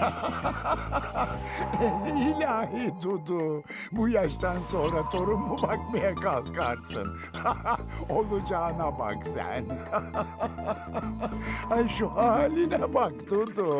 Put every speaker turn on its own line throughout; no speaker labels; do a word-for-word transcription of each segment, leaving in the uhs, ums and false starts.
İlahi Dudu, bu yaştan sonra torun mu bakmaya kalkarsın? Olacağına bak sen. Ay şu haline bak Dudu.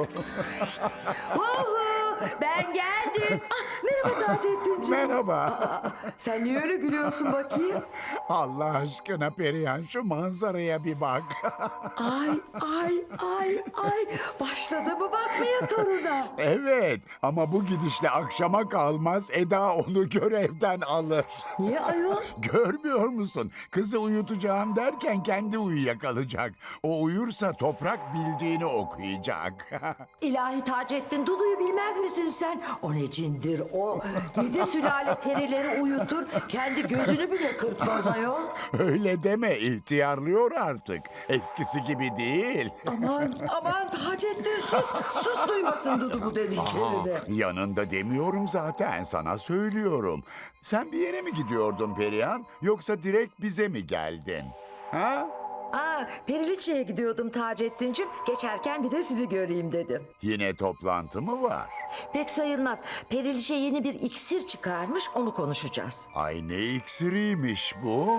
Uhu, ben geldim. Ah, merhaba Taceddin'ciğim.
Merhaba.
Aa, sen niye öyle gülüyorsun bakayım?
Allah aşkına Perihan şu manzaraya bir bak.
Ay ay ay ay. Başladı mı bakmaya toruna?
Evet ama bu gidişle akşama kalmaz Eda onu görevden alır.
Niye ayol?
Görmüyor musun? Kızı uyutacağım derken kendi uyuyakalacak. O uyursa toprak bildiğini okuyacak.
İlahi Taceddin, Dudu'yu bilmez misin sen? O ne cindir o? Yedi sülale perileri uyutur, kendi gözünü bile kırpmaz ayol.
Öyle deme, ihtiyarlıyor artık. Eskisi gibi değil.
Aman aman Taceddin sus. Sus duymasın Dudu bu dediklerini.
Yanında demiyorum zaten, sana söylüyorum. Sen bir yere mi gidiyordun Perihan, yoksa direkt bize mi geldin? Ha?
Aa, Periliçe'ye gidiyordum Taceddin'cim. Geçerken bir de sizi göreyim dedim.
Yine toplantı mı var?
Pek sayılmaz. Periliçe yeni bir iksir çıkarmış, onu konuşacağız.
Ay ne iksiriymiş bu?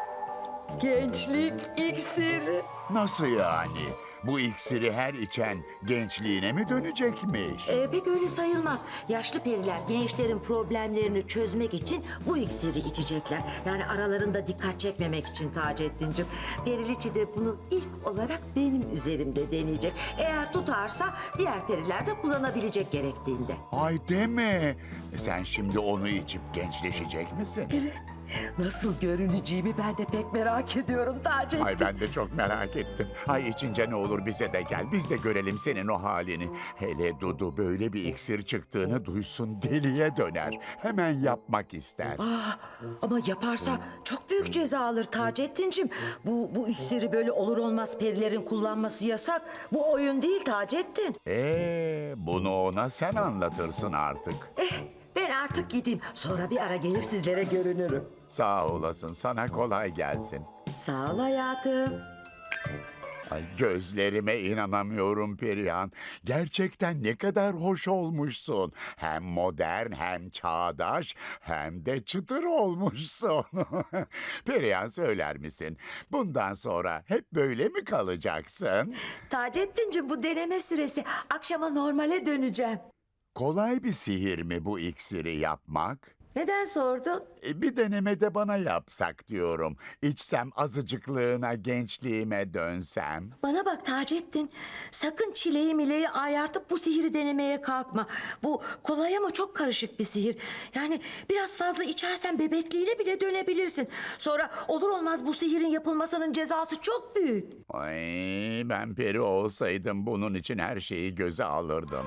Gençlik iksiri.
Nasıl yani? Bu iksiri her içen gençliğine mi dönecekmiş?
Ee, pek öyle sayılmaz. Yaşlı periler gençlerin problemlerini çözmek için bu iksiri içecekler. Yani aralarında dikkat çekmemek için Taceddin'cim. Periliçe de bunu ilk olarak benim üzerimde deneyecek. Eğer tutarsa diğer periler de kullanabilecek gerektiğinde.
Ay deme. Sen şimdi onu içip gençleşecek misin?
Evet. Nasıl görüneceğimi ben de pek merak ediyorum Taceddin.
Ay ben de çok merak ettim. Ay içince ne olur bize de gel. Biz de görelim senin o halini. Hele Dudu böyle bir iksir çıktığını duysun deliye döner. Hemen yapmak ister.
Ah, ama yaparsa çok büyük ceza alır Taceddin'cim. Bu, bu iksiri böyle olur olmaz perilerin kullanması yasak. Bu oyun değil Taceddin.
Ee, bunu ona sen anlatırsın artık.
Eh, ben artık gideyim. Sonra bir ara gelir sizlere görünürüm.
Sağ olasın. Sana kolay gelsin.
Sağ ol hayatım.
Ay gözlerime inanamıyorum Perihan. Gerçekten ne kadar hoş olmuşsun. Hem modern hem çağdaş hem de çıtır olmuşsun. Perihan söyler misin? Bundan sonra hep böyle mi kalacaksın?
Taceddin'cim bu deneme süresi. Akşama normale döneceğim.
Kolay bir sihir mi bu iksiri yapmak?
Neden sordun?
E, Bir denemede bana yapsak diyorum. İçsem azıcıklığına gençliğime dönsem.
Bana bak Taceddin. Sakın çileği mileği ayartıp bu sihiri denemeye kalkma. Bu kolay ama çok karışık bir sihir. Yani biraz fazla içersen bebekliğine bile dönebilirsin. Sonra olur olmaz bu sihirin yapılmasının cezası çok büyük.
Ay, ben peri olsaydım bunun için her şeyi göze alırdım.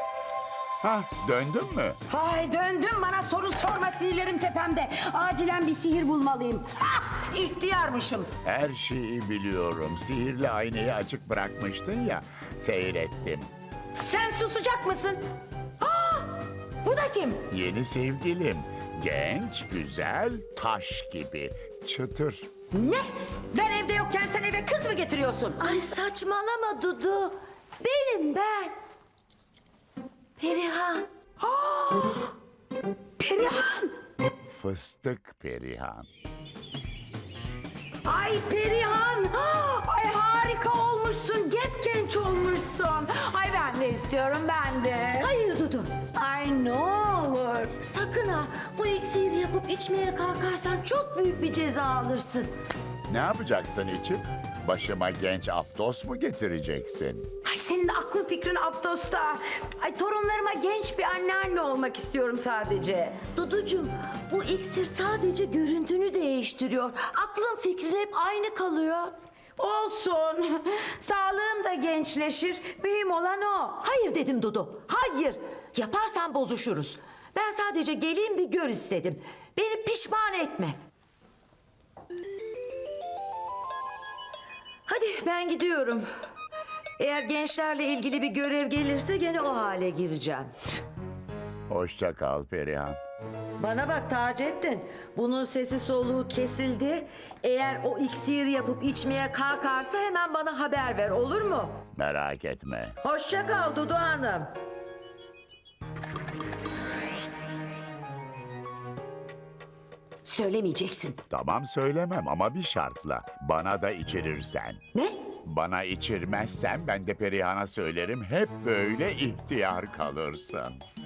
Hah, döndün mü?
Ay döndüm, bana soru sorma, sinirlerim tepemde. Acilen bir sihir bulmalıyım. Ah, ihtiyarmışım.
Her şeyi biliyorum. Sihirli aynayı açık bırakmıştın ya, seyrettim.
Sen susacak mısın? Aa, bu da kim?
Yeni sevgilim. Genç, güzel, taş gibi. Çıtır.
Ne? Ben evde yokken sen eve kız mı getiriyorsun?
Ay saçmalama Dudu. Benim ben. Perihan.
Perihan.
Fıstık Perihan.
Ay Perihan. Ah, ay harika olmuşsun. Genç olmuşsun. Ay ben de istiyorum, ben de.
Hayır Dudu.
Ay ne olur.
Sakın ha. Bu iksiri yapıp içmeye kalkarsan çok büyük bir ceza alırsın.
Ne yapacaksın içip? Başıma genç Aptos mu getireceksin?
Ay senin de aklın fikrin Aptos'ta. Ay torunlarıma genç bir anneanne olmak istiyorum sadece.
Duducuğum bu iksir sadece görüntünü değiştiriyor. Aklın fikrin hep aynı kalıyor.
Olsun. Sağlığım da gençleşir. Mühim olan o.
Hayır dedim Dudu. Hayır. Yaparsan bozuşuruz. Ben sadece geleyim bir gör istedim. Beni pişman etme. Hadi ben gidiyorum. Eğer gençlerle ilgili bir görev gelirse gene o hale gireceğim.
Hoşça kal Perihan.
Bana bak Taceddin, bunun sesi soluğu kesildi. Eğer o iksiri yapıp içmeye kalkarsa hemen bana haber ver, olur mu?
Merak etme.
Hoşça kal Dudu Hanım.
Söylemeyeceksin.
Tamam söylemem ama bir şartla. Bana da içirirsen.
Ne?
Bana içirmezsen ben de Perihan'a söylerim, hep böyle ihtiyar kalırsın.